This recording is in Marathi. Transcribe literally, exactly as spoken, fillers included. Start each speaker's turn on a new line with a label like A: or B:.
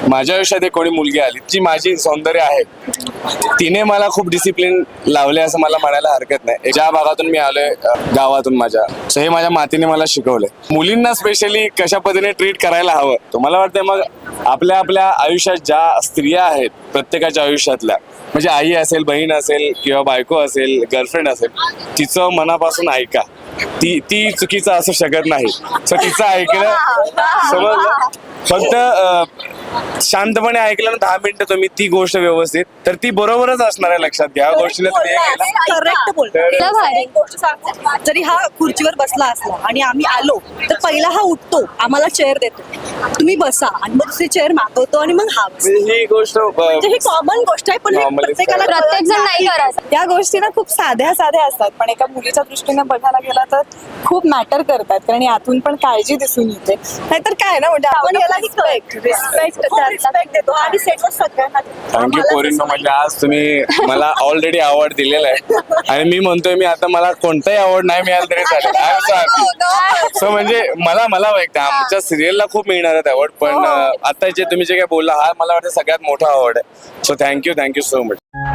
A: माझ्या आयुष्यात एक कोणी मुलगी आली जी माझी सौंदर्य आहे, तिने मला खूप डिसिप्लिन लावले असं मला म्हणायला हरकत नाही. ज्या भागातून मी आलोय, अ, गावातून माझ्या, सो हे माझ्या मातीने मला शिकवलंय. मुलींना स्पेशली कशा पद्धतीने ट्रीट करायला हवं. तुम्हाला वाटतंय मग आपल्या आपल्या आयुष्यात ज्या स्त्रिया आहेत, प्रत्येकाच्या आयुष्यातल्या, म्हणजे आई असेल, बहीण असेल किंवा बायको असेल, गर्लफ्रेंड असेल, तिचं मनापासून ऐका. ती ती चुकीचं असू शकत नाही. सो तिचं ऐकलं, समजलं, फक्त अ, शांतपणे ऐकलं ना दहा मिनिटं तुम्ही ती गोष्ट व्यवस्थित, तर ती बरोबरच असणार आहे. लक्षात घ्या गोष्टीला तुम्ही हे केलं.
B: करेक्ट बोलतो.
C: तुला भारी.
B: एक गोष्ट सांगते, जरी हा खुर्चीवर बसला असला आणि आम्ही आलो तर पहिला हा उठतो, आम्हाला चेअर देतो, तुम्ही बसा, आणि मग दुसरी चेअर मागवतो आणि मग हा बसतो.
A: म्हणजे ही गोष्ट अ,
B: म्हणजे ही कॉमन गोष्ट आहे, पण हे
A: Normally
B: प्रत्येकाला कळत
C: प्रत्येक जण नाही करत.
D: या गोष्टी ना खूप साध्या साध्या असतात, पण एका मुलीच्या दृष्टीने बघायला गेला तर खूप मॅटर करतात, कारण यातून पण काळजी दिसून येते. नाहीतर काय ना, म्हणजे आपण याला रिस्पेक्ट
B: रिस्पेक्ट देतो आणि सेटवर सगळ्यांना देतो.
A: थँक्यू पोरींनो. म्हणजे आज तुम्ही मला ऑलरेडी अवॉर्ड दिलेला आहे आणि मी म्हणतोय मी आता मला कोणताही अवॉर्ड नाही मिळाला तरी चालेल. I am so happy. So म्हणजे मला मला वाटतं आमच्या सिरियलला खूप मिळणार आहेत अवॉर्ड, पण अ, आता जे तुम्ही जे काय बोलला हा मला वाटतं सगळ्यात मोठा अवॉर्ड आहे. So thank you thank you so much.